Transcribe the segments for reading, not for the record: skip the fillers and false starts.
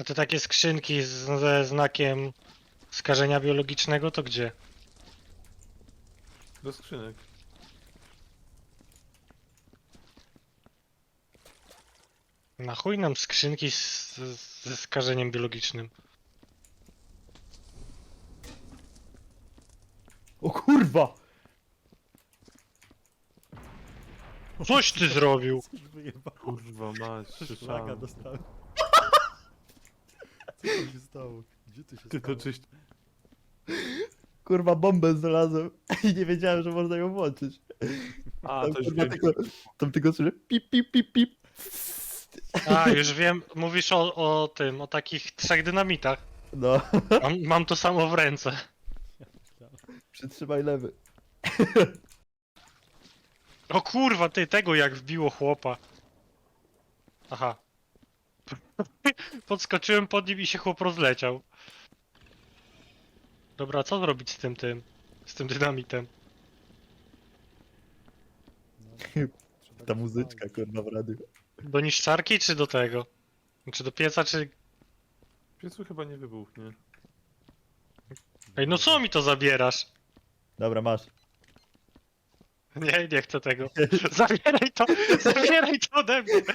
A te takie skrzynki ze znakiem skażenia biologicznego to gdzie? Do skrzynek. Na chuj nam skrzynki ze skażeniem biologicznym. O kurwa! Coś ty zrobił! Coś wyjebał. Kurwa mać, Szlaga słyszałem. dostałem. Co tam się stało? Gdzie ty się Ty stało? to czyś... Kurwa, bombę znalazłem i nie wiedziałem, że można ją włączyć. A, Tam, to już kurwa, wiem. tam tylko słyszę pip, pip, pip, pip. A, już wiem, mówisz o tym, o takich 3 dynamitach. No, Mam to samo w ręce. przytrzymaj lewy. O kurwa, ty, tego jak wbiło chłopa. Aha. Podskoczyłem pod nim i się chłop rozleciał. Dobra, co zrobić z z tym dynamitem? Ta muzyczka, kurwa, w radiu. Do niszczarki czy do tego? Czy do pieca, czy... Piecu chyba nie wybuchnie. Ej, no co mi to zabierasz? Dobra, masz. Nie, nie chcę tego. Zabieraj to ode mnie.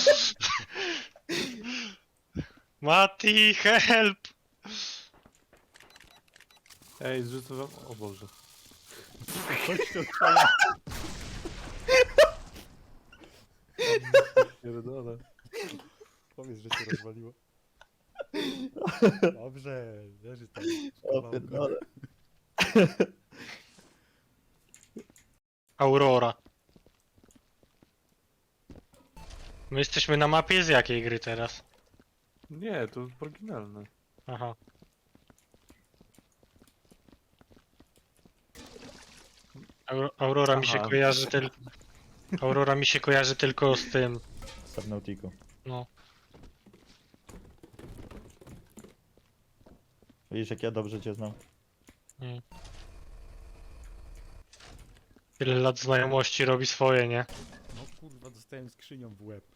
Mati, help! Ej, zrzucę wam... O Boże. Chodź tu, twoja. Pierdolę. Powiedz, że się rozwaliło. Dobrze, leży tam. O, pierdolę. Aurora. My jesteśmy na mapie z jakiej gry teraz? Nie, to oryginalne. Aha. Aurora mi się Aha. kojarzy tylko... Aurora mi się kojarzy tylko z tym, Subnautico. no. Widzisz, jak ja dobrze cię znam. Mm. Tyle lat znajomości robi swoje, nie? No kurwa, dostałem skrzynią w łeb.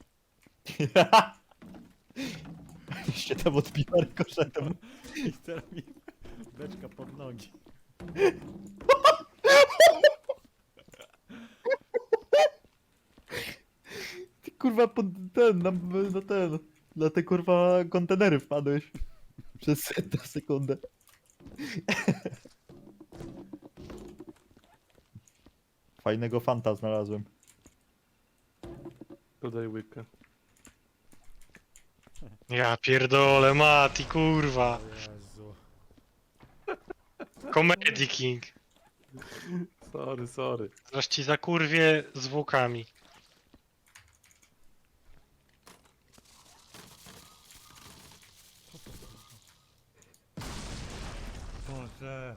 Się tam odbiła rykoszetem. I teraz mi beczka pod nogi. Ty kurwa pod ten, na ten. Na te kurwa kontenery wpadłeś. Przez tę sekundę. Fajnego fanta znalazłem. Dodaj łykę. Ja pierdolę, Mati, kurwa. O Jezu. Comedy King. Sorry. Zaraz ci zakurwie zwłokami. Boże.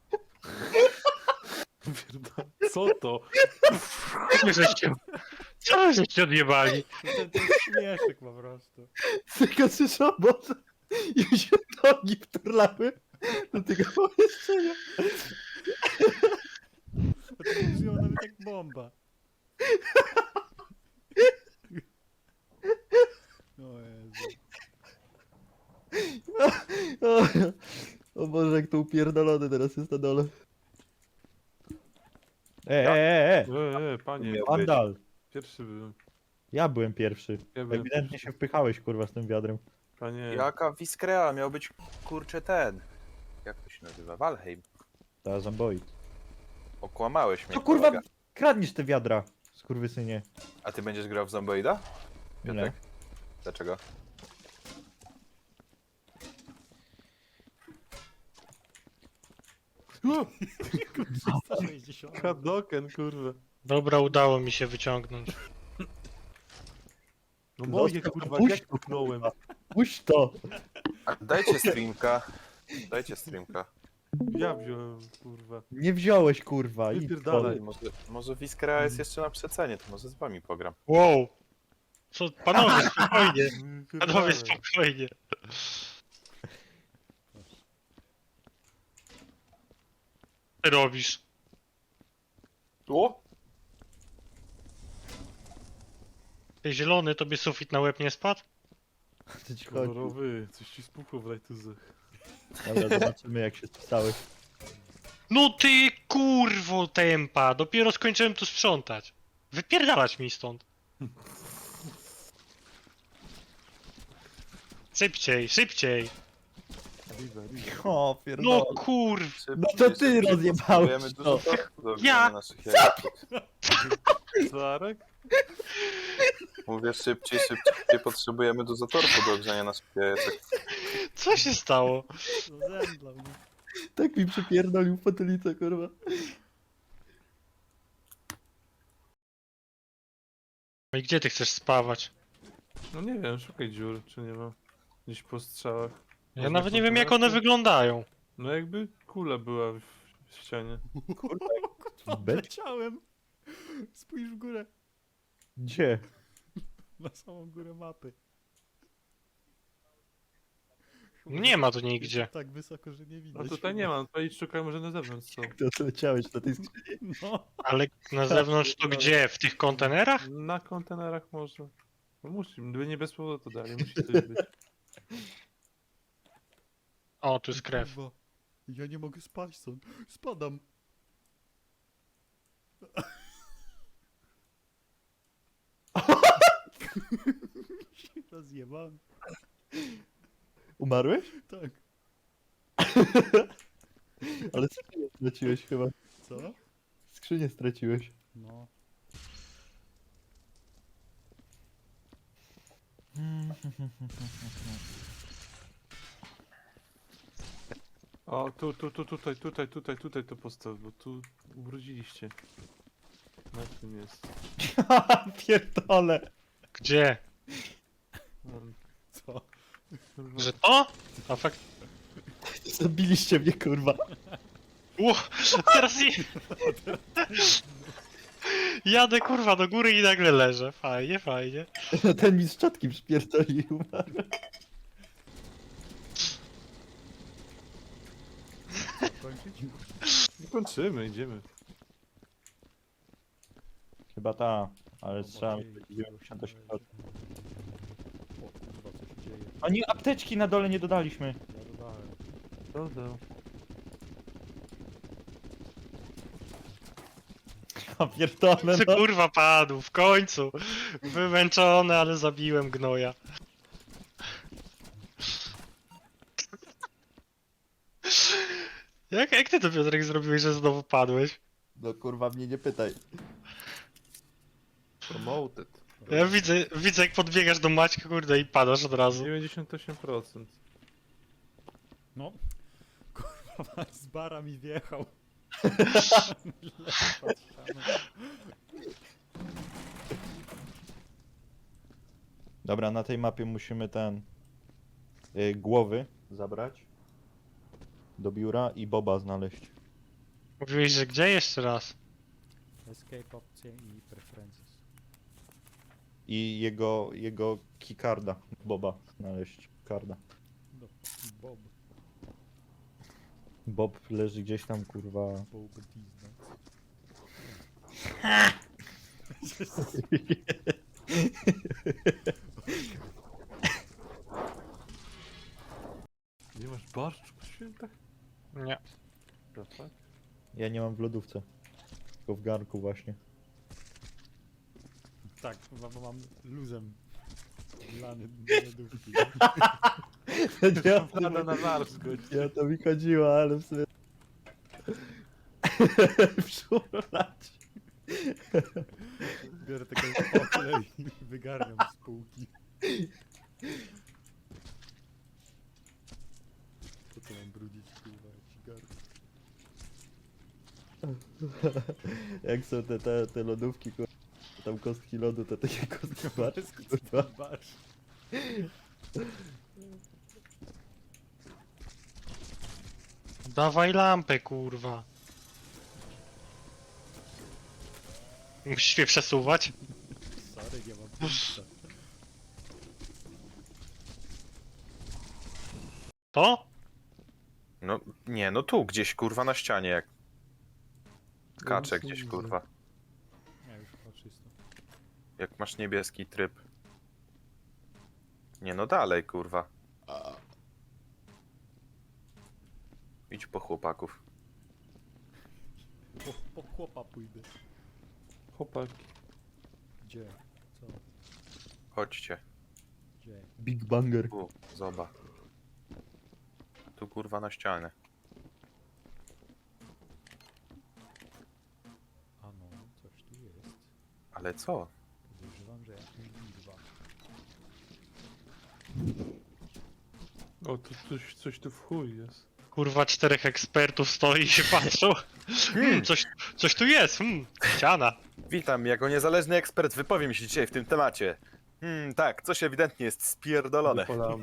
Pierdolę. Co to? Co wy żeście odjebali? To jest śmieszek po prostu. Tylko słyszę, Boże. I mi się nogi wturlały do tego pomieszczenia. To brzmiało nawet jak bomba. O Jezu. O Boże, jak to upierdolony teraz jest na dole. Panie. Miał Vandal. Pierwszy byłem. Ja byłem pierwszy. Ja byłem Ewidentnie pierwszy. się wpychałeś kurwa z tym wiadrem. Panie. Jaka Wiskrea? Miał być kurczę ten. Jak to się nazywa? Valheim. Ta zamboi. Okłamałeś mnie. Co kurwa kolega. kradniesz te wiadra, skurwysynie? A ty będziesz grał w Zomboida? Nie. Piotrek? Dlaczego? O, 360. Kadoken, kurwa. Dobra, udało mi się wyciągnąć. No moje Zostaw, kurwa, puść jak pchnąłem. Puść to! A dajcie streamka. Dajcie streamka. Ja wziąłem, kurwa. Nie wziąłeś kurwa. idź Wypierdalaj. stąd. Może Wiskrea jest jeszcze na przecenie, to może z wami pogram. Wow! Co, panowie, spokojnie. Panowie, Wypierdalaj. spokojnie. Co ty robisz? O! Ty zielony, tobie sufit na łeb nie spadł? Co ci chodzi? Kolorowy, coś ci spuchło w lajtuzach. Dobra, zobaczymy jak się spisałeś. No ty kurwo tempa, dopiero skończyłem tu sprzątać. Wypierdalać mi stąd. Szybciej, szybciej. Riva. O, No pierdolę. kurw. No to ty rozjebałeś Potrzebujemy to. dużo torfu do Ja- ognienia naszych jajek. Zarek? Mówię szybciej, szybciej. Potrzebujemy dużo torfu do ogrzania naszych jajek. Co się stało? No zemdlał mnie. Tak mi przypierdolił fotelicę, kurwa. No i gdzie ty chcesz spawać? No nie wiem, szukaj dziur, czy nie ma. Gdzieś po strzałach. Ja Może nawet nie wiem jak one kontynuacja? wyglądają. No jakby kula była w ścianie. Beczka? Leciałem. Spójrz w górę. Gdzie? Na samą górę mapy. Nie ma tu Jest nigdzie. tak wysoko, że nie widać. No tutaj nie ma, tutaj szukaj może na zewnątrz są. To leciałeś na tej skrzyni. No. Ale na zewnątrz to gdzie? W tych kontenerach? Na kontenerach może. No musi, gdyby nie bez powodu to dali, musi coś być. O, tu jest krew. Kurwa, ja nie mogę spać stąd. Spadam. Się rozjebałem. Umarłeś? Tak. Ale skrzynię straciłeś chyba. Co? Skrzynię straciłeś. No. O, tutaj to postaw, bo tu ubrudziliście. Na tym jest. Pierdole. Gdzie? Co? Kurwa. Że to? A fakt... Zabiliście mnie, kurwa. Teraz jadę kurwa do góry i nagle leżę. Fajnie, fajnie. Ten mi z czatki przypierdolił. Kończyć? Nie kończymy, idziemy. Chyba ta, ale Oba strzelam dzieje, 98. O kurwa, co się dzieje? A nie, apteczki na dole nie dodaliśmy. Ja dodałem. Dodał. A pierdolę, Ty no. kurwa padł, w końcu. Wymęczony, ale zabiłem gnoja. Jak ty to Piotrek zrobiłeś, że znowu padłeś? No kurwa, mnie nie pytaj. Promoted. Ja widzę jak podbiegasz do Maćka, kurde, i padasz od razu. 98%. No. Kurwa, z bara mi wjechał. Dobra, na tej mapie musimy głowy zabrać do biura i Boba znaleźć. Mówiłeś, że gdzie jeszcze raz? Escape opcje i preferences. I jego keycarda, Boba znaleźć, karda. No, Bob. Bob leży gdzieś tam, kurwa. Bob Disney. Nie masz barszczu po świętach? Nie. The fuck? Ja nie mam w lodówce, tylko w garnku właśnie. Tak, bo mam luzem. Lany do lodówki. Pada na barszcz, Ja to mi chodziło, ale w sumie... Wszulać. Biorę taką poklę i wygarniam z półki. Co to mam brudzić, kurwa, jakiś garnek. Jak są te lodówki, kurwa, tam kostki lodu, to takie kostki barszcz, Bez kurwa. barsz. Dawaj lampę, kurwa. Musisz mnie przesuwać? Sorry, nie mam pulsa. To? No nie, no tu gdzieś kurwa na ścianie jak kacze No, gdzieś widzę. kurwa. Nie, już chyba czysto. Jak masz niebieski tryb. Nie no dalej, kurwa. Idź po chłopaków. Po chłopa pójdę. Chłopaki. Gdzie? Co? Chodźcie. Gdzie? Big Banger. Tu, zobacz. Tu kurwa na ścianę. A no, coś tu jest. Ale co? Podejrzewam, że jakaś liczba. O, tu coś tu w chuj jest. Kurwa, 4 ekspertów stoi i się patrzą. Coś tu jest, ściana. Witam, jako niezależny ekspert wypowiem się dzisiaj w tym temacie. Tak, coś ewidentnie jest spierdolone. Wypalam.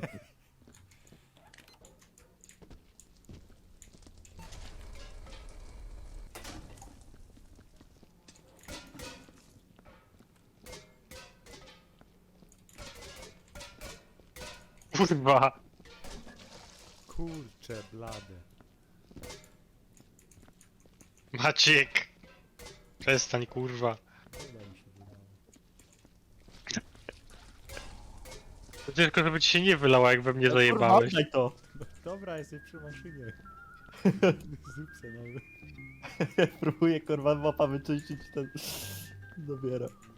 Kurwa. Kurcze blade. Maciek. Przestań, kurwa. Chyba mi się wydało. Tylko żeby ci się nie wylało, jak we mnie Kurwa, zajebałeś. oddaj to. Dobra, jesteś przy maszynie. Zrób se nowy. Próbuję kurwa mapa wyczyścić ten... Zabiera.